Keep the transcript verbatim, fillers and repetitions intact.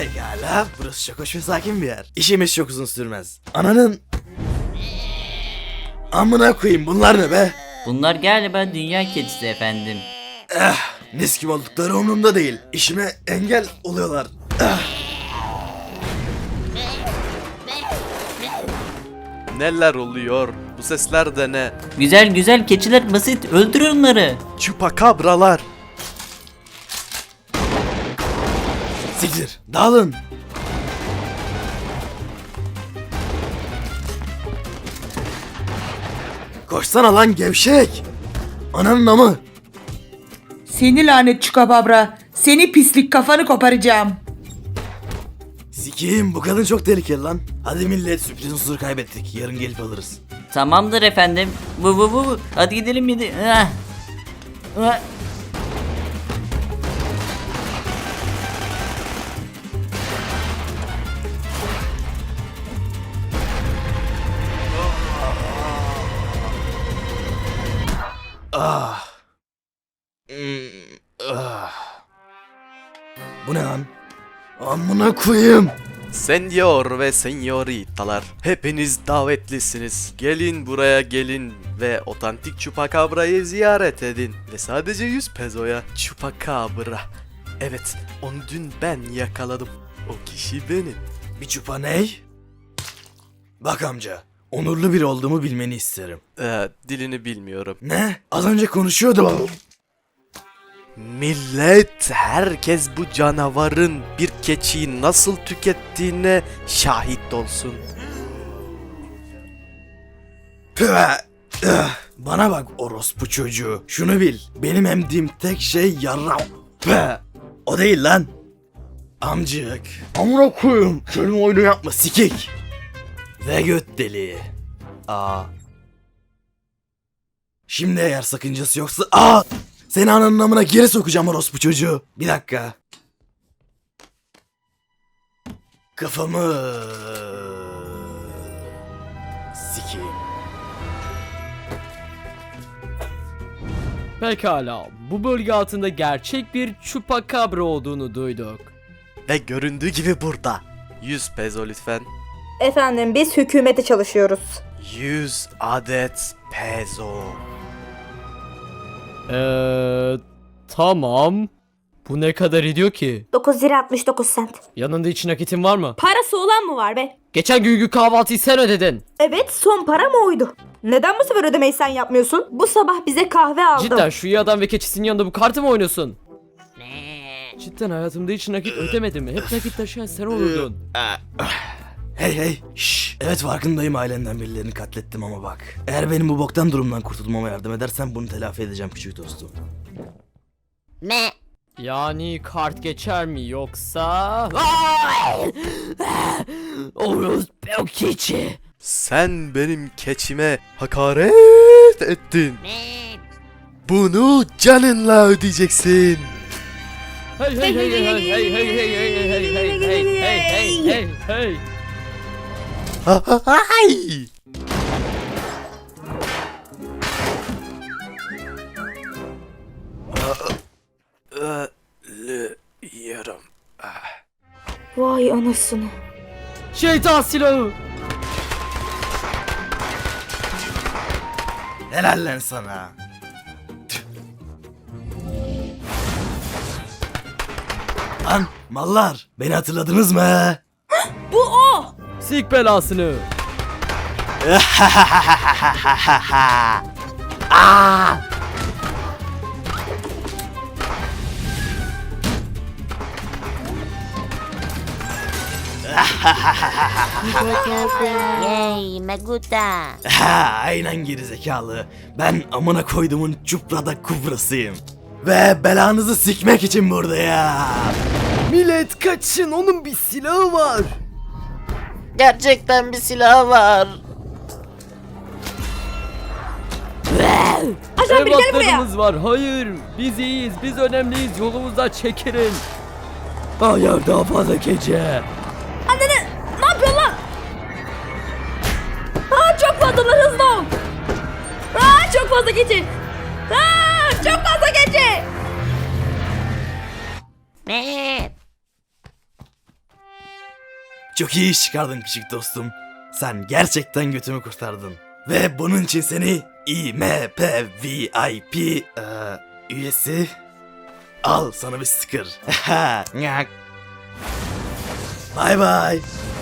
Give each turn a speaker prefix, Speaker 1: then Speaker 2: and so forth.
Speaker 1: Pekala, burası çok hoş ve sakin bir yer. İşimiz çok uzun sürmez. Ananın... Amına koyayım, bunlar ne be?
Speaker 2: Bunlar galiba dünya kedisi efendim.
Speaker 1: Eh, mis gibi oldukları umurumda değil. İşime engel oluyorlar. Eh.
Speaker 3: Neler oluyor? Bu sesler de ne?
Speaker 2: Güzel güzel keçiler basit, öldür onları.
Speaker 3: Çupakabralar.
Speaker 1: Siktir, dağılın. Koşsana lan gevşek. Ananın amı.
Speaker 4: Seni lanet çukababra. Seni pislik, kafanı koparacağım.
Speaker 1: Sikiyim, bu kadın çok tehlikeli lan. Hadi millet, sürpriz unsuru kaybettik. Yarın gelip alırız.
Speaker 2: Tamamdır efendim. Bu bu bu. Hadi gidelim yedi. Ah. Ah.
Speaker 1: Ah. Hmm, ah. Bu ne lan? Amına koyayım.
Speaker 3: Senyor ve senyoritalar, hepiniz davetlisiniz. Gelin buraya gelin ve otantik Chupacabrá'yı ziyaret edin. Ve sadece yüz pezoya Chupacabra. Evet, onu dün ben yakaladım. O kişi benim.
Speaker 1: Bir çupa ney? Bak amca, onurlu biri olduğumu bilmeni isterim.
Speaker 3: Ee, dilini bilmiyorum.
Speaker 1: Ne? Az önce konuşuyordum.
Speaker 3: Millet, herkes bu canavarın bir keçiyi nasıl tükettiğine şahit olsun.
Speaker 1: Püh! Üh! Bana bak orospu çocuğu. Şunu bil, benim emdiğim tek şey yarram. Püh! O değil lan. Amcık. Amına koyayım. Kelime oyunu yapma sikik. Ve göt deliği. Aa. Şimdi eğer sakıncası yoksa... Aa! Seni ananın amına geri sokacağım orospu çocuğu. Bir dakika. Kafamı... sikeyim.
Speaker 5: Pekala, bu bölge altında gerçek bir Chupacabra olduğunu duyduk.
Speaker 3: Ve göründüğü gibi burada. yüz pezo lütfen.
Speaker 6: Efendim biz hükümete çalışıyoruz.
Speaker 3: yüz adet pezo.
Speaker 5: Eee tamam. Bu ne kadar ediyor ki?
Speaker 6: dokuz lira altmış dokuz sent.
Speaker 5: Yanında hiç nakitin var mı?
Speaker 6: Parası olan mı var be?
Speaker 5: Geçen günkü kahvaltıyı sen ödedin.
Speaker 6: Evet, son para mı oydu? Neden bu sefer ödemeyi sen yapmıyorsun? Bu sabah bize kahve aldım.
Speaker 5: Cidden şu iyi adam ve keçisinin yanında bu kartı mı oynuyorsun? Cidden hayatımda hiç nakit ödemedim. Hep nakit taşıyan sen olurdun.
Speaker 1: Hey hey. Şşş. Evet farkındayım, ailenden birilerini katlettim ama bak. Eğer benim bu boktan durumdan kurtulmama yardım edersen bunu telafi edeceğim küçük dostum.
Speaker 5: Yani kart geçer mi yoksa... Oruz o keçi.
Speaker 3: Sen benim keçime hakaret ettin. Bunu canınla ödeyeceksin.
Speaker 5: Hey hey hey hey hey hey hey hey hey hey hey hey hey hey hey hey.
Speaker 3: Ay! Ölüyorum.
Speaker 6: Vay anasını.
Speaker 5: Şeytan silahı.
Speaker 1: Helal lan sana. Tüh. Lan mallar, beni hatırladınız mı?
Speaker 5: Sik belasını.
Speaker 7: Yay, me gusta.
Speaker 1: Ha, aynen gerizekalı. Ben amına koyduğumun çuprada kubrasıyım. Ve belanızı sikmek için buradayım.
Speaker 5: Millet kaçın, onun bir silahı var.
Speaker 7: Gerçekten bir silah var.
Speaker 6: Ajan biri gel buraya.
Speaker 5: Evlatlarımız var. Hayır, biz iyiyiz, biz önemliyiz. Yolumuzdan çekilin. Hayır, daha fazla gece.
Speaker 6: Annene ne yapıyorsun lan? Aa, çok fazlalar, hızlı ol. Aa, çok fazla geçi. Aa, çok fazla geçi.
Speaker 7: Ne?
Speaker 1: Çok iyi iş çıkardın küçük dostum. Sen gerçekten götümü kurtardın. Ve bunun için seni I M P V I P eee, üyesi al sana bir sticker. Bye bye.